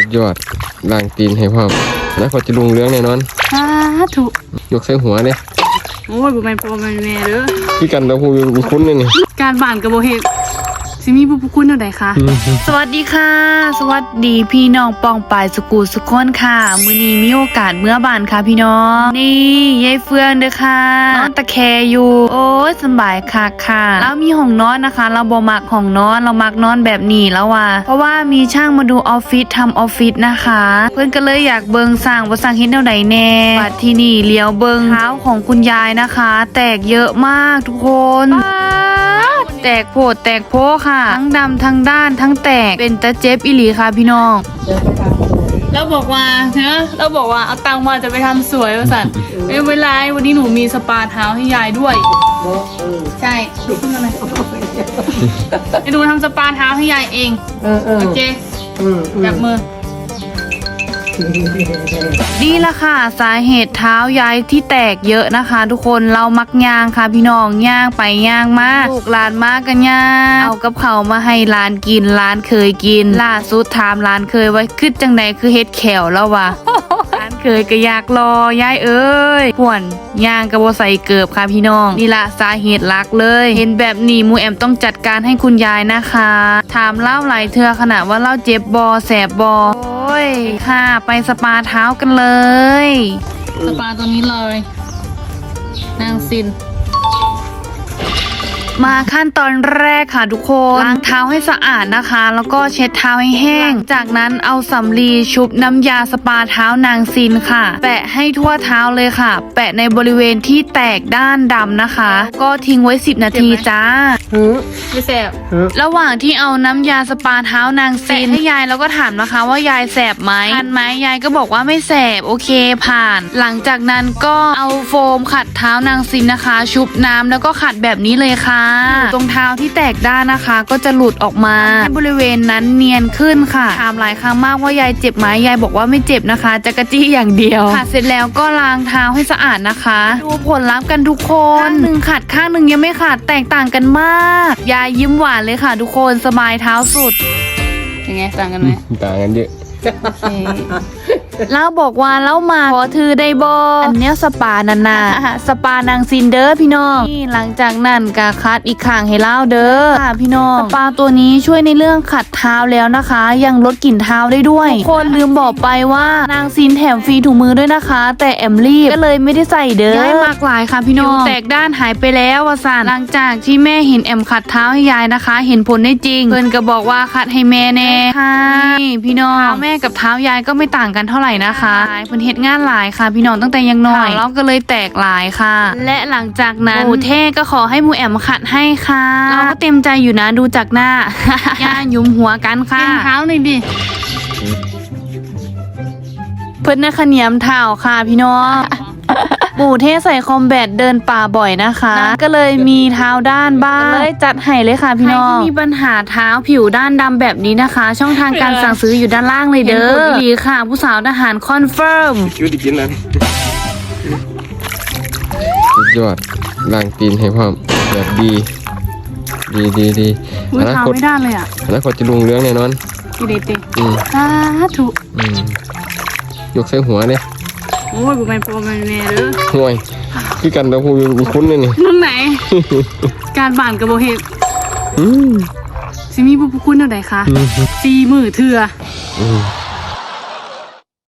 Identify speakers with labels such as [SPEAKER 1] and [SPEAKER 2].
[SPEAKER 1] สุดยอดล้างตีนให้พร้อมแล้วก็จะลุงเรื่องแน่นอน
[SPEAKER 2] สาธุ
[SPEAKER 1] ยกใส่หัวเนี่ย
[SPEAKER 2] โอ้ยบุแมนโปรแมนแม่เด้อ
[SPEAKER 1] พี่กันเราพูดคุ้นเลยนี่
[SPEAKER 2] การบ้านกับโบเฮสิมีบุคุณเท่าไหร่คะสวัสดีค่ะสวัสดีพี่น้องปองปายสกูสุกคนค่ะมื้อนี้มีโอกาสเมื่อบ้านค่ะพี่น้องนี่ยายเฟืองเด้อค่ะนอนตะแคอยู่โอ้ยสบายค่ะค่ะแล้วมีห้องนอนนะคะเราบ่มักห้องนอนเรามักนอนแบบนี้แล้วว่ะเพราะว่ามีช่างมาดูออฟฟิศทำออฟฟิศนะคะเพื่อนก็เลยอยากเบิงสร้างว่าสร้างเฮ็ดแนวใดแน่บัดที่นี่เลี้ยวเบิงเท้าของคุณยายนะคะแตกเยอะมากทุกคนแตกโผดแตกโพค่ะทั้งดำทั้งด้านทั้งแตกเป็นตะเจ็บอีหลีค่ะพี่น้องแล้วบอกว่าเราบอกว่าเอาตังค์มาจะไปทำสวยว่าสันไม่เป็นไรวันนี้หนูมีสปาเท้าให้ยายด้วยใช่ดูขึ้นมาหน่อยไปดูทำสปาเท้าให้ยายเองโอเคแบบมือนี่ละค่ะสาเหตุเท้ายายที่แตกเยอะนะคะทุกคนเรามักย่างค่ะพี่น้องย่างไปย่างมากลูกหลานมากกันย่างเอากับเขามาให้หลานกินหลานเคยกินล่าสุดถามหลานเคยไว้คือจังใดคือเฮ็ดแขวแล้ววะหลานเคยก็อยากรอยายเอ้ยป่วนย่างกระโบใส่เกือบค่ะพี่น้องนี่ละสาเหตุหลักเลยเห็นแบบนี้มูแอมต้องจัดการให้คุณยายนะคะถามเล่าหลายเทื่อขนาดว่าเล่าเจ็บบอแสบบอโอ้ยค่ะไปสปาเท้ากันเลยสปาตัวนี้เลยนางซินมาขั้นตอนแรกค่ะทุกคนล้างเท้าให้สะอาดนะคะแล้วก็เช็ดเท้าให้แห้งจากนั้นเอาสำลีชุบน้ำยาสปาเท้านางซินค่ะแปะให้ทั่วเท้าเลยค่ะแปะในบริเวณที่แตกด้านดำนะคะก็ทิ้งไว้10 นาทีจ้าไม่แสบระหว่างที่เอาน้ำยาสปาเท้านางซินให้ยายแล้วก็ถามนะคะว่ายายแสบไหมคันไหมยายก็บอกว่าไม่แสบโอเคผ่านหลังจากนั้นก็เอาโฟมขัดเท้านางซินนะคะชุบน้ำแล้วก็ขัดแบบนี้เลยค่ะตรงเท้าที่แตกด้านนะคะก็จะหลุดออกมาให้บริเวณนั้นเนียนขึ้นค่ะถามหลายครั้งมากว่ายายเจ็บไหมยายบอกว่าไม่เจ็บนะคะจะกระจี้อย่างเดียวขัดเสร็จแล้วก็ล้างเท้าให้สะอาดนะคะดูผลลัพธ์กันทุกคนข้างหนึ่งขัดข้างหนึ่งยังไม่ขัดแตกต่างกันมากยายยิ้มหวานเลยค่ะทุกคนสบายเท้าสุดยังไงต่างกันไหม
[SPEAKER 1] ต่างกันเยอะ
[SPEAKER 2] เล่าบอกว่าเล่ามาขอถือได้บออันเนี้ยสปานานาสปานางซินเดอร์พี่น้องนี่หลังจากนั้นก็คัดอีกข้างให้เล่าเด้อค่ะพี่น้องสปาตัวนี้ช่วยในเรื่องขัดเท้าแล้วนะคะยังลดกลิ่นเท้าได้ด้วยทุกคนลืมบอกไปว่านางซินแถมฟรีถุงมือด้วยนะคะแต่แอมรีบก็เลยไม่ได้ใส่เด้อย้ายมากหลายค่ะพี่น้องแตกด้านหายไปแล้ววสานหลังจากที่แม่เห็นแอมขัดเท้าให้ยายนะคะเห็นผลได้จริงเพื่อนก็บอกว่าขัดให้แม่แน่ค่ะนี่พี่น้องเท้าแม่กับเท้ายายก็ไม่ต่างกันเท่าไหร่นะคะเพิ่นเฮ็ดงานหลายค่ะพี่น้องตั้งแต่ยังน้อยเราก็เลยแตกหลายค่ะและหลังจากนั้นหมูเท่ก็ขอให้หมูแอมขัดให้ค่ะเราก็เต็มใจอยู่นะดูจากหน้า ย่ายุมหัวกันค่ะเท้าหน่อยดิเพิ่นน่ะขะเหนียมเท้าค่ะพี่น้องหมูเทใส่คอมแบทเดินป่าบ่อยนะคะก็เลยมีเท้าด้านบ้างเลยจัดให้เลยค่ะพี่น้องใครที่มีปัญหาเท้าผิวด้านดำแบบนี้นะคะช่องทางการสั่งซื้ออยู่ด้านล่างเลยเด้อดีค่ะผู้สาวทหารคอนเฟิร์ม
[SPEAKER 1] คิวดิกินนั้นสุดยอดล้างตีนให้พร้อมแบบดี
[SPEAKER 2] อนาคตไม่ได้เลยอ่ะ
[SPEAKER 1] อนาคตจะลุงเรื่องแน่นอน
[SPEAKER 2] ดีเด็ดสาธุ
[SPEAKER 1] ยกใส่หัวเนี่ย
[SPEAKER 2] โอ้ยบุแมนโปรแมนแม่เด้อ
[SPEAKER 1] ห่วยพี่กันเราพูดคุ้นเลยนี่
[SPEAKER 2] มึงไหนการบ้านกับโบเฮสิมีบุคุณเท่าไหร่คะ4 มื้อเทื่อ